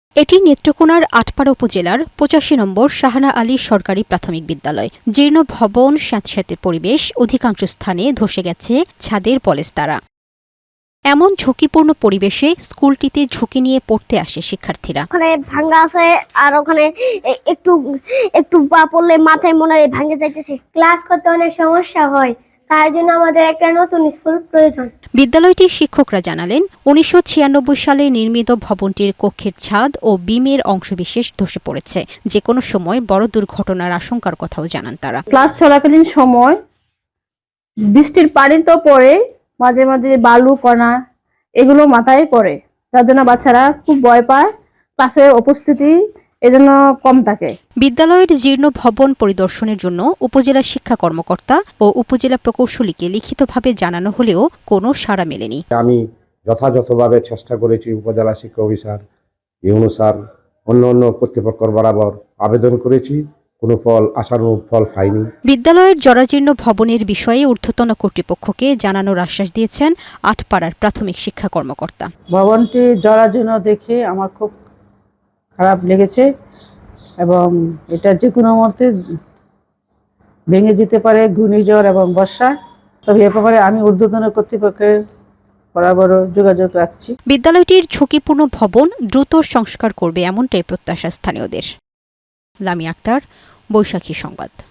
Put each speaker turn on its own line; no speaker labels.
এটি নেত্রকোনার আটপাড়া উপজেলার ৮৫ নম্বর শাহানা আলী সরকারি প্রাথমিক বিদ্যালয়। জীর্ণ ভবন, স্যাঁতস্যাঁতে পরিবেশ, অধিকাংশ স্থানে ধসে গেছে ছাদের পলেস্তারা। এমন ঝুঁকিপূর্ণ পরিবেশে স্কুলটিতে ঝুঁকি নিয়ে পড়তে আসে শিক্ষার্থীরা।
ওখানে ভাঙ্গা আছে আর ওখানে একটু একটু পা পড়লে মাথায় মনে হয় ভাঙে যাইতেছে। ক্লাস করতে অনেক সমস্যা হয়, তার জন্য আমাদের একটা নতুন স্কুল প্রয়োজন।
বিদ্যালয়টির শিক্ষকরা জানালেন, ১৯৯৬ সালে নির্মিত ভবনটির কক্ষের ছাদ ও বিমের অংশবিশেষ ধসে পড়েছে। যে কোনো সময় বড় দুর্ঘটনার আশঙ্কার কথাও জানান তারা।
ক্লাস চলাকালীন সময় বৃষ্টির পানি তো পড়ে, মাঝে মাঝে বালু কণা এগুলো মাথায় পড়ে, যার জন্য বাচ্চারা খুব ভয় পায়। ক্লাসে উপস্থিতি এজন্য কম থাকে।
বিদ্যালয়ের জীর্ণ ভবন পরিদর্শনের জন্য উপজেলা শিক্ষা কর্মকর্তা ও উপজেলা প্রকৌশলীকে লিখিতভাবে জানানো হলেও কোনো সাড়া মেলেনি।
আমি যথাযথভাবে চেষ্টা করেছি, উপজেলা শিক্ষা অফিসার, ইউনো স্যার, অন্য কর্তৃপক্ষ বরাবর আবেদন করেছি, কোনো আশানুরূপ ফল পাইনি।
বিদ্যালয়ের জরাজীর্ণ ভবনের বিষয়ে ঊর্ধ্বতন কর্তৃপক্ষকে জানানোর আশ্বাস দিয়েছেন আটপাড়ার প্রাথমিক শিক্ষা কর্মকর্তা।
ভবনটি জরাজীর্ণ দেখে আমার খুব খারাপ লেগেছে এবং এটা যে কোনো মুহূর্তে ভেঙে যেতে পারে, ঘূর্ণিঝড় এবং বর্ষা। তবে এ ব্যাপারে আমি ঊর্ধ্বতন কর্তৃপক্ষের বরাবর যোগাযোগ রাখছি।
বিদ্যালয়টির ঝুঁকিপূর্ণ ভবন দ্রুত সংস্কার করবে এমনটাই প্রত্যাশা স্থানীয়দের। লামি আক্তার, বৈশাখী সংবাদ।